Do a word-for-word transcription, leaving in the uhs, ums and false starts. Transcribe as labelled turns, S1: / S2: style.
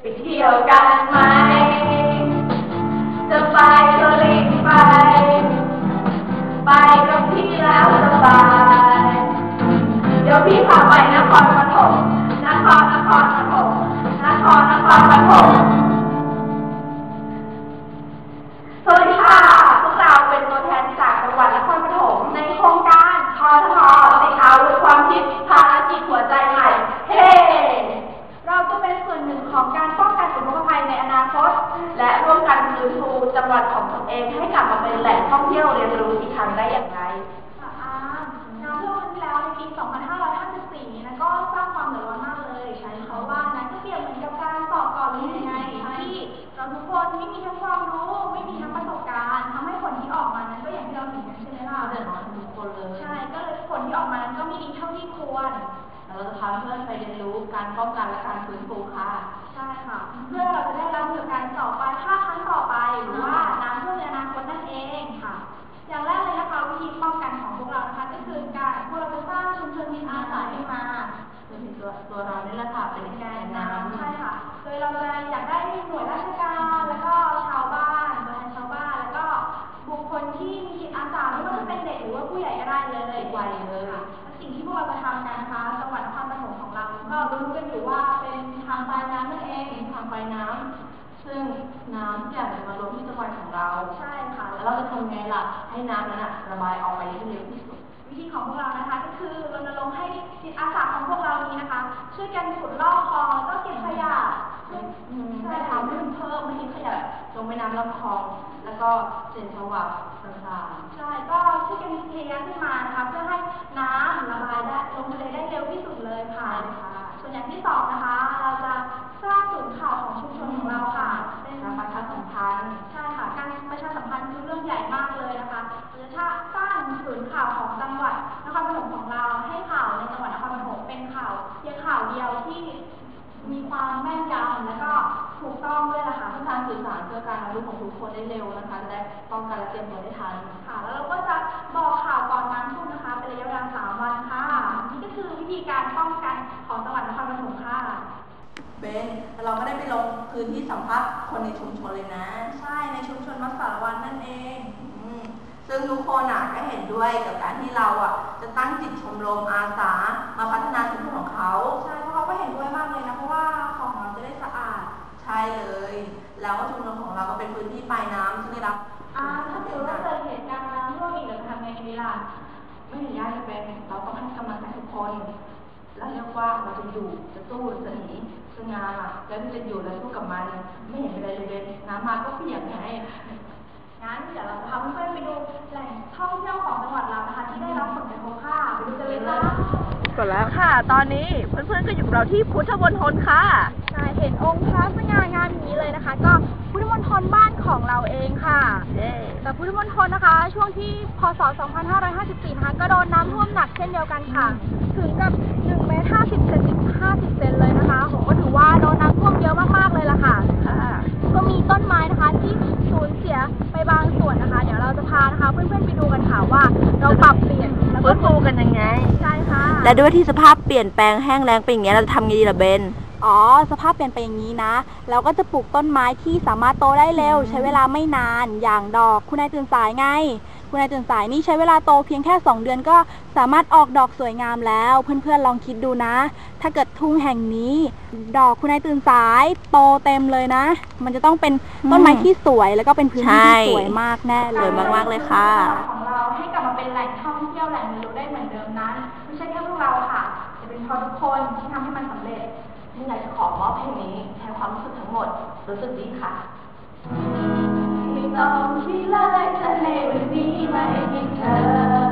S1: ไปเที่ยวกันไหมจะไปก็รีบไปไปกับพี่แล้วสบายเดี๋ยวพี่พาไปนครปฐมนครนครปฐมนครนครปฐมสวัสดีค่ะพวกเราเป็นตัวแทนจากจังหวัดนครปฐมในโครงการทอทอติดเอาด้วยความคิดภารกิจหัวใจใหม่เฮ้เราจะเป็นส่วนหนึ่งของการป้องกันอุทกภัยในอนาคตและร่วมกันฟื้นฟูจังหวัดของตนเองให้กลับมาเป็นแหล่งท่องเที่ยวเรียนรู้อีกครั้งได้อย่างไร
S2: อาน้ำท่วมที่แล้วในปี สองพันห้าร้อยห้าสิบสี่ นั้นก็สร้างความเดือดร้อนมากเลยใช่เพราะว่านั้นก็เปรียบเหมือนกับการสอบก่อนเรียนยังไงที่เราทุกคนไม่มีทั้งความรู้ไม่มีทั้งประสบการณ์ทำให้ผลที่ออกมานั้นก็อย่างที่เราเห็นกันใช่ไหมล่ะ
S1: เดือดร้อนทุกคนเลย
S2: ใช่ก็เลยผลที่ออกมานั้นก็ไม่ดีเท่าที่ควร
S1: เราจะพาเพื่อนไปเรียนรู้การป้องกันและการฟื้นฟูค่ะ
S2: ใช่ค่ะเพื่อเราจะได้รับมือการต่อไปถ้าครั้งต่อไปหรือว่าน้ำท่วมในอนาคตนั่นเองค่ะอย่างแรกเลยนะคะวิธีป้องกันของพวกเรานะคะก็คือการพวกเราจะสร้างชุมชนจิตอาสาขึ้นมา
S1: เป็นตัวตัวเรานี่แหละค่ะเป็นแกนน้ำ
S2: ใช่ค่ะโดยเราจะอยากได้หน่วยราชการแล้วก็ชาวบ้านตัวแทนชาวบ้านแล้วก็บุคคลที่มีจิตอาสาไม่ว่าจะเป็นเด็กหรือว่าผู้ใหญ่ก็ได้เลย
S1: วัยเลย
S2: สิ่งที่พวกเราจะทำกันนะคะจังหวัดนครปฐมของเราก็รู้กันอยู่ว่าเป็นทางปลายน้ำนั่นเอง
S1: ทางปลายน้ำซึ่งน้ำอยากจะมารวมที่จังหวัดของเรา
S2: ใช่ค่ะ
S1: แล้วเราจะทำไงล่ะให้น้ำนั้นระบายออกไปให้เร็วที่สุด
S2: วิธีของพวกเรานะคะก็คือรณรงค์ให้จิตอาสาของพวกเรานี้นะคะช่วยกันขุดลอกคลองแล้วก็เก็บขยะ
S1: ไม่ทำให้เพิ่มไม่ทิ้งขยะลงแม่น้ำลำคลองแล้วก็เศษสวะต่าง
S2: ๆใช่ก็ช่วยกันเทขึ้นมานะคะเพื่อให้น้ำระบายได้ลงทะเลได้เร็วที่สุดเลยค่ะส่วนอย่างที่สองนะคะเราจะสร้างศูนย์ข่าวของชุมชนของเราค่ะ
S1: เป็นการประชาสัมพันธ์
S2: ใช่ค่ะการประชาสัมพันธ์คือเรื่องใหญ่มากเลยนะคะเราจะสร้างศูนย์ข่าวของจังหวัดนครปฐมของเราให้ข่าวในจังหวัดนครปฐมเป็นข่าวเพียงข่าวเดียวที่มีความแม่นยำและก็ถูกต้องด้วยนะคะ
S1: เพื่อการสื่อสารเพื่อการรับรู้ของทุกคนได้เร็วนะคะจะได้ป้องกันและเตรียมตัวได้ทัน
S2: ค่ะแล้วเราก็จะบอกข่าวก่อนน้ำท่วมนะคะเป็นระยะเวลาสามวันค่ะนี่ก็คือวิธีการป้องกันของจังหวัดนครปฐมค่ะ
S1: เบนเราก็ได้ไปลงพื้นที่สัมภาษณ์คนในชุมชนเลยนะ
S2: ใช่ในชุมชนมัสสารวันนั่นเอง
S1: ซึ่งทุกคนอ่ะก็เห็นด้วยกับการที่เราอ่ะจะตั้งจิตชมรมอาสามาพัฒนาชุมชนของเขา
S2: ใช่เพราะเขาก็เห็นด้วยมากเลยนะเพราะว่าของเราจะได้สะอาด
S1: ใช่เลยแล้วชุมชนของเราก็เป็นพื้นที่ปลายน้ำที่ได้รับ
S2: อ่าถ้าเกิดว่าเกิดเหตุการณ์น้ำท่วมอีกเราจะทำไงดีล่ะ
S1: ไม่เห็นยากจะเป็นเราต้องให้กำลังใจทุกคนแล้วเรียกว่าเราจะอยู่จะสู้จะหนีจะงานอ่ะแล้วจะอยู่แล้วสู้กับมันไม่เห็นเป็นไรเลยเบนน้ำมาก็เปียกไง
S2: งั้นเดี๋ยวเราพาเพื่อนๆไปดูแหล่งท่องเที่ยวของจังหวัดเรานะคะที่ได้รับผลกระทบค่ะไปดูกันเลยค่ะ
S1: ก่อนแล้วค่ะตอนนี้เพื่อนๆก็อยู่กับเราที่พุทธมณฑลค่ะ
S2: ใช่เห็นองค์พระสง่างามอย่างนี้เลยนะคะก็พุทธมณฑลบ้านของเราเองค่ะแต่พุทธมณฑลนะคะช่วงที่พศสองพันห้าร้อยห้าสิบสี่นะคะก็โดนน้ำท่วมหนักเช่นเดียวกันค่ะถึงกับหนึ่งเมตรห้าสิบเซนห้าสิบเซนเลยนะคะผมก็ถือว่าโดนน้ำท่วมเยอะมากๆเลยล่ะค่ะก็มีต้นไม้นะคะที่สูญเสียไปบางส่วนนะคะเดี๋ยวเราจะพานะคะเพื่อนๆไปดูกันค่ะว่าเราปรับเปลี่ยน
S1: แล้วก็ฟูกันยังไง
S2: ใช่ค่ะ
S1: และด้วยที่สภาพเปลี่ยนแปลงแห้งแล้งเป็นอย่างนี้เราจะทำไงดีล่ะเบน
S2: อ๋อสภาพเปลี่ยนไปอย่างนี้นะเราก็จะปลูกต้นไม้ที่สามารถโตได้เร็วใช้เวลาไม่นานอย่างดอกคุณนายตื่นสายไงคุณนายตื่นสายนี่ใช้เวลาโตเพียงแค่สองเดือนก็สามารถออกดอกสวยงามแล้วเพื่อนๆลองคิดดูนะถ้าเกิดทุ่งแห่งนี้ดอกคุณนายตื่นสายโตเต็มเลยนะมันจะต้องเป็นต้นไม้ที่สวยแล้วก็เป็นพื้นที่ที่สวยมากแน่เลย
S1: มากๆเลยค่ะ
S2: ของเราให้กลับมาเป็นแหล่งท่องเที่ยวแหล่งเรียนรู้ได้เหมือนเดิมนั้นไม่ใช่แค่พวกเราค่ะจะเป็นเพราะทุกคนที่ทำให้มันสำเร็จ
S1: ที่อยากจะขอมอบเพลงนี้แทนความรู้สึกทั้งหมดรู้สึกดีค่ะ
S2: ไม่ต้องคิดเลยถ้าในวันนี้ไม่มีเธอ